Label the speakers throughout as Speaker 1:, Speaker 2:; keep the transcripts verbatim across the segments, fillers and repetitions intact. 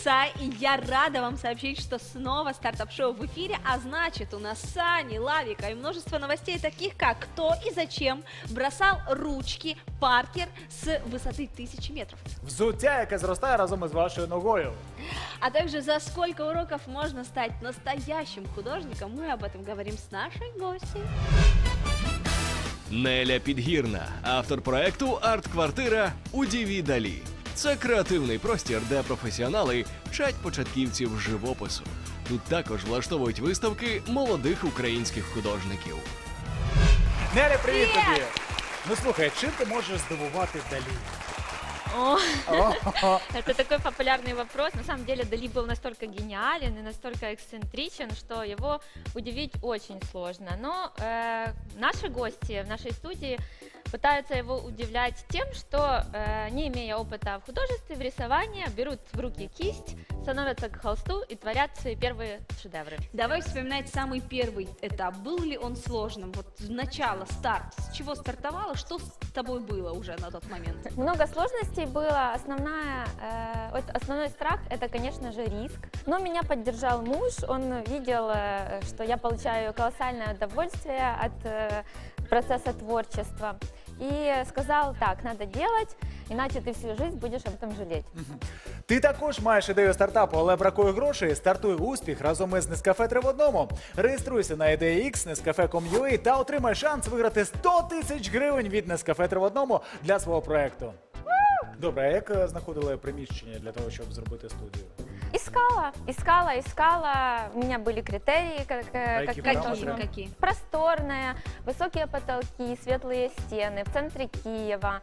Speaker 1: часа, и я рада вам сообщить, что снова стартап-шоу в эфире, а значит, у нас Сани, Лавика и множество новостей, таких как кто и зачем бросал ручки Паркер с высоты тысячи метров.
Speaker 2: Взуття, яке зростає разом із вашою ногою.
Speaker 1: А также за сколько уроков можно стать настоящим художником, мы об этом говорим с нашей гостьей.
Speaker 3: Неля Підгірна, автор проекту «Арт-квартира» у Діві Далі. Це креативний простір, де професіонали вчать початківців живопису. Тут також влаштовують виставки молодих українських художників.
Speaker 2: Неля, привіт
Speaker 1: Привіт!
Speaker 2: тобі! Ну слухай, чим ти можеш здивувати Далі?
Speaker 4: О,
Speaker 2: О,
Speaker 4: это такой популярный вопрос. На самом деле Дали был настолько гениален и настолько эксцентричен, что его удивить очень сложно. Но э, наши гости в нашей студии пытаются его удивлять тем, что, э, не имея опыта в художестве, в рисовании, берут в руки кисть, становятся к холсту и творят свои первые шедевры.
Speaker 1: Давай вспоминать самый первый этап. Был ли он сложным? Вот начало, старт. С чего стартовало? Что с тобой было уже на тот момент?
Speaker 4: Много сложностей было. Основная, э, вот основной страх – это, конечно же, риск. Но меня поддержал муж. Он видел, э, что я получаю колоссальное удовольствие от э, процесса творчества. И сказал, так, надо делать, иначе ты всю жизнь будешь об этом жалеть.
Speaker 2: ти також маєш ідею стартапу, але бракує грошей? Стартуй успіх разом із Нескафе три в одному. Реєструйся на ідея ікс, нескафе крапка ком крапка ю а та отримай шанс виграти сто тисяч гривень від Нескафе три в одному для свого проекту. Добре, а як е, знаходили приміщення для того, щоб зробити студію?
Speaker 4: Искала, искала, искала. У меня были критерии, как, э,
Speaker 2: какие
Speaker 4: как-
Speaker 2: параметры?
Speaker 4: какие.
Speaker 1: Какие?
Speaker 4: Просторная, высокие потолки, светлые стены в центре Киева,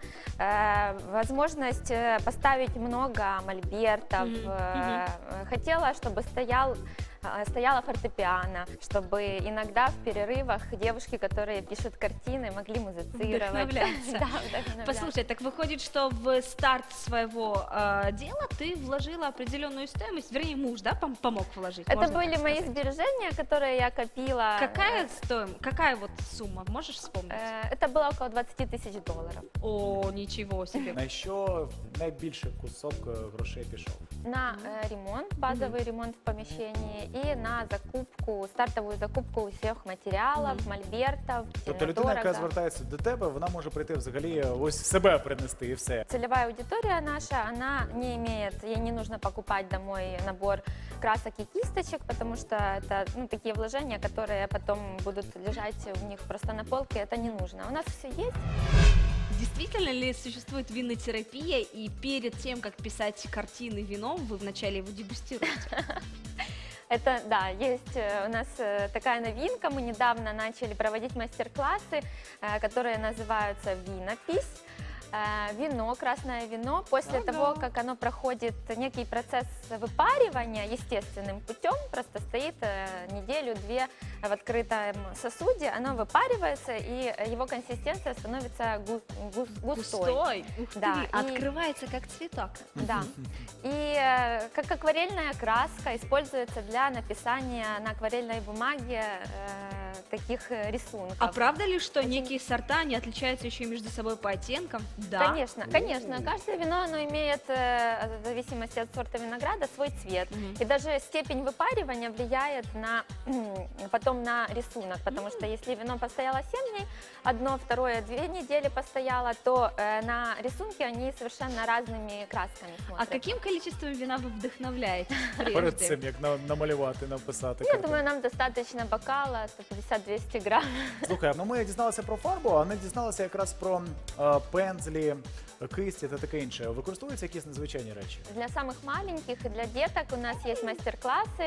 Speaker 4: э, возможность э, поставить много мольбертов.
Speaker 1: Мгм,
Speaker 4: э, Хотела, чтобы стоял э, стояла фортепиано, чтобы иногда в перерывах девушки, которые пишут картины, могли музицировать.
Speaker 1: Вдохновляться.
Speaker 4: Да, вдохновляться.
Speaker 1: Послушай, так выходит, что в старт своего э, дела ты вложила определенную стоимость, вернее, муж, да, пом- помог вложить?
Speaker 4: Это
Speaker 1: можно
Speaker 4: были
Speaker 1: так
Speaker 4: мои
Speaker 1: сказать?
Speaker 4: сбережения, которые я копила.
Speaker 1: Какая стоимость, какая вот сумма, можешь вспомнить?
Speaker 4: Э, Это было около двадцати тысяч долларов.
Speaker 1: О, ничего себе.
Speaker 2: На що найбільший кусок е, грошей пішов?
Speaker 4: На э, ремонт, базовый ремонт в помещении и на закупку, стартовую закупку всех материалов,
Speaker 1: Мгм.
Speaker 4: мольбертов,
Speaker 2: Тобто людина, яка
Speaker 4: дорого.
Speaker 2: звертається до тебе, вона може прийти взагалі ось себе принести і все.
Speaker 4: Целевая аудитория наша, она не имеет, ей не нужно покупать домой набор красок и кисточек, потому что это ну, такие вложения, которые потом будут лежать у них просто на полке, это не нужно. У нас все есть.
Speaker 1: Действительно ли существует винотерапия, и перед тем, как писать картины вином, вы вначале его дегустируете?
Speaker 4: Это, да, есть э, у нас э, такая новинка. Мы недавно начали проводить мастер-классы, э, которые называются «Винопись». Э, Вино, красное вино, после
Speaker 1: Ага.
Speaker 4: того, как оно проходит некий процесс выпаривания естественным путем, просто стоит э, неделю-две в открытом сосуде, оно выпаривается, и его консистенция становится гу- гус- густой.
Speaker 1: Густой? Ух ты,
Speaker 4: Да, и-
Speaker 1: открывается как цветок.
Speaker 4: Да. И э, как акварельная краска используется для написания на акварельной бумаге э, таких э, рисунков.
Speaker 1: А правда ли, что
Speaker 4: Очень-
Speaker 1: некие сорта, они отличаются еще между собой по оттенкам? Да.
Speaker 4: Конечно, конечно. Каждое вино, оно имеет, э, в зависимости от сорта винограда, свой цвет.
Speaker 1: Мгм.
Speaker 4: И даже степень выпаривания влияет на, потом на рисунок, потому что если вино постояло семь дней, одно, второе, две недели постояло, то э, на рисунке они совершенно разными красками
Speaker 1: А
Speaker 4: смотрят.
Speaker 1: каким количеством вина вы вдохновляетесь
Speaker 2: Перед
Speaker 1: прежде?
Speaker 2: цим, як на- намалювати, написати.
Speaker 4: Я
Speaker 2: картину.
Speaker 4: думаю, нам достаточно бокала сто пятьдесят - двести грамм.
Speaker 2: Слухай, ну ми дізналися про фарбу, а не дізналися якраз про е, пензлі, кисті та таке інше. Використовуються якісь незвичайні речі?
Speaker 4: Для самых маленьких и для деток у нас есть мастер-классы.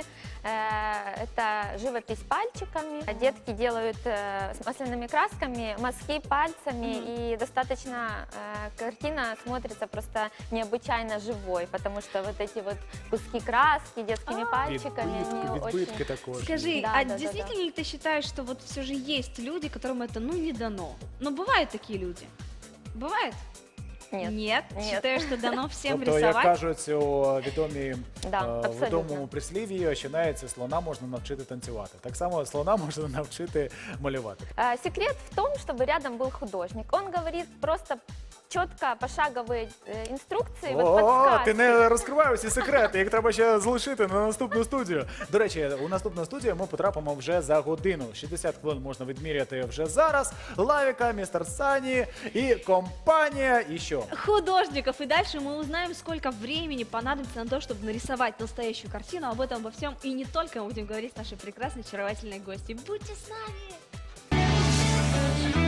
Speaker 4: Э, Это живопись пальчиками. Детки делают э, с масляными красками мазки пальцами, и достаточно э, картина смотрится просто необычайно живой, потому что вот эти вот куски краски детскими
Speaker 1: А.
Speaker 4: пальчиками, они
Speaker 2: Відбитки,
Speaker 4: очень...
Speaker 2: відбитки також.
Speaker 1: Скажи,
Speaker 4: Да,
Speaker 1: а
Speaker 4: да, да,
Speaker 1: действительно ли ты считаешь, что вот все же есть люди, которым это ну не дано? Но бывают такие люди? Бывает?
Speaker 4: Нет.
Speaker 1: Нет?
Speaker 4: Нет.
Speaker 1: Считаю, что дано всем
Speaker 2: Тобто, як
Speaker 1: рисовать.
Speaker 2: кажуть у відомі
Speaker 4: Да,
Speaker 2: е,
Speaker 4: абсолютно.
Speaker 2: відомому прислів'ї, що навіть слона можна навчити танцювати. Так само слона можна навчити малювати.
Speaker 4: Э, Секрет в том, чтобы рядом был художник. Он говорит просто четко пошаговые э, инструкции, вот
Speaker 2: О,
Speaker 4: подсказки.
Speaker 2: ти не розкривай усі секрети, їх треба ще залишити на наступну студію. До речі, у наступну студію ми потрапимо вже за годину. шістдесят хвилин можна відміряти вже зараз. Лавіка, містер Сані і компанія. І що?
Speaker 1: Художников. И дальше мы узнаем, сколько времени понадобится на то, чтобы нарисовать настоящую картину. Об этом, обо всем и не только мы будем говорить с нашей прекрасной, очаровательной гостью. Будьте с нами!